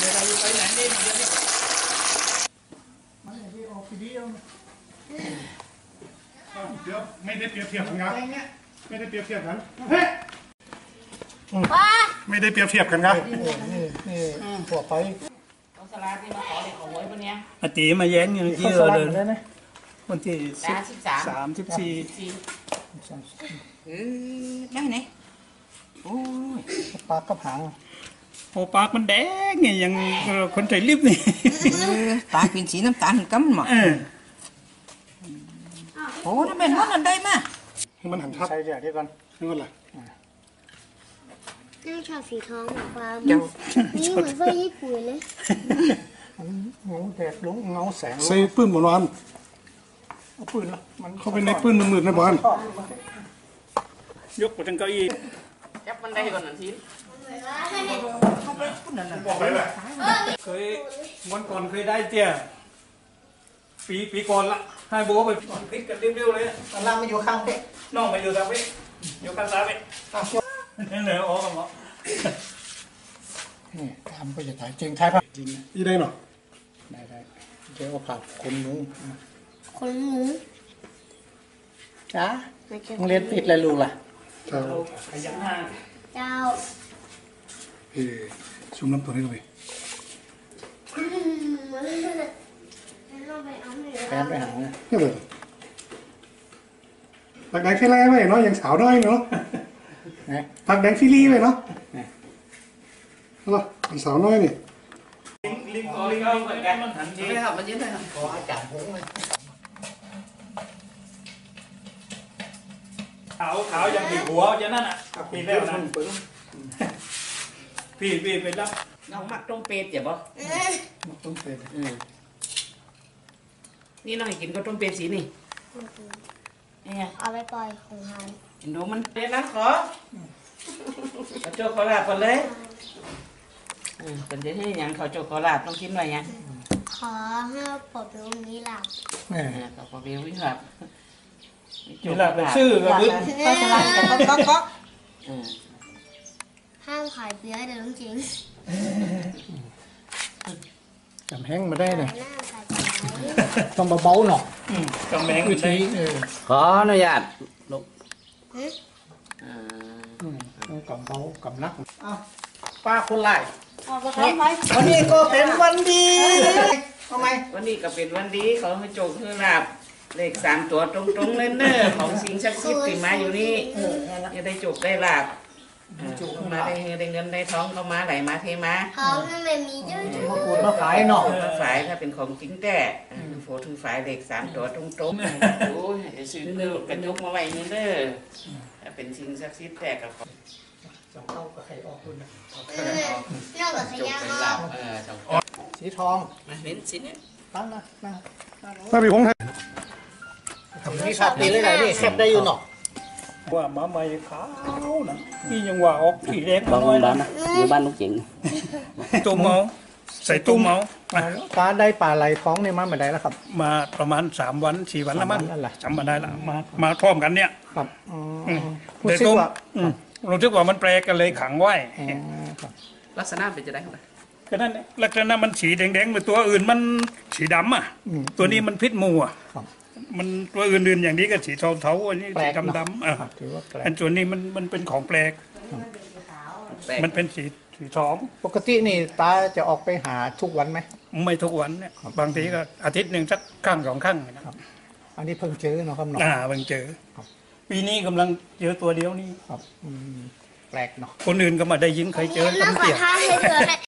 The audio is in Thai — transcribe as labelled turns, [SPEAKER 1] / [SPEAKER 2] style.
[SPEAKER 1] เราอยู่ไปไหนนี่เดี๋ยวนี้
[SPEAKER 2] เดี๋ยวไม่ได้เปรียบเทียบกันครับไม่ได้เปรียบเทียบกันเฮ้ยไม่ได้เปรียบเทียบกันครับ
[SPEAKER 3] นี่หัวไป
[SPEAKER 4] สลาที่มาขอเด็กของหวยวันนี้
[SPEAKER 1] อาตีมาแย้งอย่างที่เลยวันที่34
[SPEAKER 4] ได้ไหนโอ้ย
[SPEAKER 3] ปลากระหัง
[SPEAKER 1] โอ้ปากมันแดงไงอย่างคนใส่ลิปนี่
[SPEAKER 4] ตาเป็นสีน้ำตาลกั๊มหมดโอ้นั่นเป็นมันได้มา
[SPEAKER 2] มันหันทับ
[SPEAKER 3] ใช่เดี๋ยวก่อน
[SPEAKER 2] นี่มันอะไร
[SPEAKER 5] น่าชอบสีทองแบบว่านี่เหมือนไฟญี่ปุ่นเลย
[SPEAKER 3] เงาแดดลงเงาแสง
[SPEAKER 2] ใส่ปื้นบนวัน
[SPEAKER 3] เอาปืนละมัน
[SPEAKER 2] เข้าไปในปื้นมืดๆในบ้าน
[SPEAKER 1] ยกไปทั้งเก้าอี้
[SPEAKER 4] จับมันได้ก่อนหนึ่งที
[SPEAKER 2] บอกไปเลย
[SPEAKER 1] เคยวันก่อนเคยได้เตี้ยปีก่อนละให้บัวไปพิษกันเรียวๆเลย
[SPEAKER 3] ตอนล่างมาอยู่ข้างเป๊ะ
[SPEAKER 1] น้องมาอยู่ทางนี้อยู่ข้างซ้ายนี่เหนือออกกันหมด
[SPEAKER 3] นี่ทำก็จะถ่ายจริงถ่ายภาพจริง
[SPEAKER 2] ยี่ได้หรอ
[SPEAKER 3] ได้เดี๋ยวเอาภาพคนหนูจ้าโรงเรียนปิดเลยลูกล่ะ
[SPEAKER 2] เจ้า
[SPEAKER 1] ขยันห้าง
[SPEAKER 5] เจ้า
[SPEAKER 2] ชุมน้ำตัวนี้เลย
[SPEAKER 3] แฟนไปหาเนี่ย
[SPEAKER 2] นี่เลยตักแดงฟิลลี่ไปเนาะยังสาวน้อยเนาะตักแดงฟิลลี่ไปเนาะเหรอสาวน้อยนี่
[SPEAKER 1] ลิงเหมือนกันมันหันที
[SPEAKER 4] ไม่ครับมันยิ้มเลยครับ
[SPEAKER 3] ขออาจารย์ผมเลย
[SPEAKER 1] ขาวยังปีหัวจะนั่นอ่ะปีแล้วนะพี่ไปรับ
[SPEAKER 4] น้องมักต้มเป็ดเจ็บปะ
[SPEAKER 3] ต้มเป็ด
[SPEAKER 4] นี่น้องกินก็ต้มเป็ดสีนี่เนี่ย
[SPEAKER 5] เอาไปปล่อยของทาน
[SPEAKER 4] ดูมันเป็นนะขอโจขอลาบก่อนเลยเป็นจะให้ยังเขาโจขอลาบต้องกินหน่อยยัง
[SPEAKER 5] ขอให้ปลดลงนี้หลับ
[SPEAKER 4] เขาพอเบี้ยววิ่งหลับ
[SPEAKER 1] นี่หลับชื่อก็บึ้ง
[SPEAKER 4] ก็จะไล่กันก็
[SPEAKER 5] ห้ามขายเบียร์แต่ต้องจริง
[SPEAKER 3] จำแห้งมาได้เลยต้องเบาๆหน่อย
[SPEAKER 1] กำแมง
[SPEAKER 3] วิธี
[SPEAKER 4] ขออนุญาตลูก
[SPEAKER 3] ต้องกำเบากำนักป้าคนไล่
[SPEAKER 4] วันนี้ก็เป็นวันดี
[SPEAKER 3] ทำไม
[SPEAKER 4] วันนี้ก็เป็นวันดีเขาให้โจกให้ลาบเลข3 ตัวตรงๆเน้อของสิ่งศักดิ์สิทธิ์ที่มาอยู่นี่จะได้โจกได้ลาบมาได้เงินได้ท้องเข้ามาไหลมาเทมา
[SPEAKER 5] เขาให้มันมีเยอะๆ
[SPEAKER 3] มาขูดมาขายเนาะ
[SPEAKER 4] ฝายถ้าเป็นของจริงแต่โฟถือฝายเลข3 ตัวตรงๆโอ้ยซื้อเนื้อกระจกมาไว้นี่เด้อถ้าเป็นสิ่งศักดิ์สิทธิ์แต่กับ
[SPEAKER 3] สองเข้ากับไข่ออกคุณนะ
[SPEAKER 5] นอกจากขยะ
[SPEAKER 3] สีทอง
[SPEAKER 4] มาเห็นสีนี้
[SPEAKER 3] ตั้งนะ
[SPEAKER 2] ถ้ามีพงไทย
[SPEAKER 3] นี่ขาดตีเลยไหนนี่แคบได้อยู่หนอ
[SPEAKER 1] ว่ามาใหม่ขาวนะนี่ยังว่าออกผีแดง
[SPEAKER 4] บ้านบ้านนะอยู่บ้านลูกจิ๋ง
[SPEAKER 1] ตัวเมาใส่ตัวเมา
[SPEAKER 3] ปลาได้ปลาไหลท้องในมันมาได้แล้วครับ
[SPEAKER 1] มาประมาณ3 วัน 4 วันแล้วมั้งจำมาได้ละมาพร้อมกันเนี่ย
[SPEAKER 3] ครับ
[SPEAKER 1] แต่ตัวรู้สึกว่ามันแปลกกันเลยขังไว้
[SPEAKER 4] ลักษณะเป็นจะได้ไหม
[SPEAKER 1] ก็นั่นลักษณะมันสีแดงๆเหมือนตัวอื่นมันสีดำอ่ะตัวนี้มันพิษมูอ่ะมันตัวอื่นๆอย่างนี้ก็สีเทาๆอันนี้สีดำอันส่วนนี้มันเป็นของแปลกมันเป็นสีทอง
[SPEAKER 3] ปกตินี่ตาจะออกไปหาทุกวันไหม
[SPEAKER 1] ไม่ทุกวันเนี่ยบางทีก็อาทิตย์หนึ่งสักครั้ง2 ครั้งนะครับ
[SPEAKER 3] อันนี้เพิ่งเจอเนาะครับเนาะ
[SPEAKER 1] เพิ่งเจอปีนี้กำลังเจอตัวเดียวนี่
[SPEAKER 3] ครับแปลกเนาะ
[SPEAKER 1] คนอื่นก็มาได้ยิงใครเจอ
[SPEAKER 5] น้ำขอท้าให้เธอ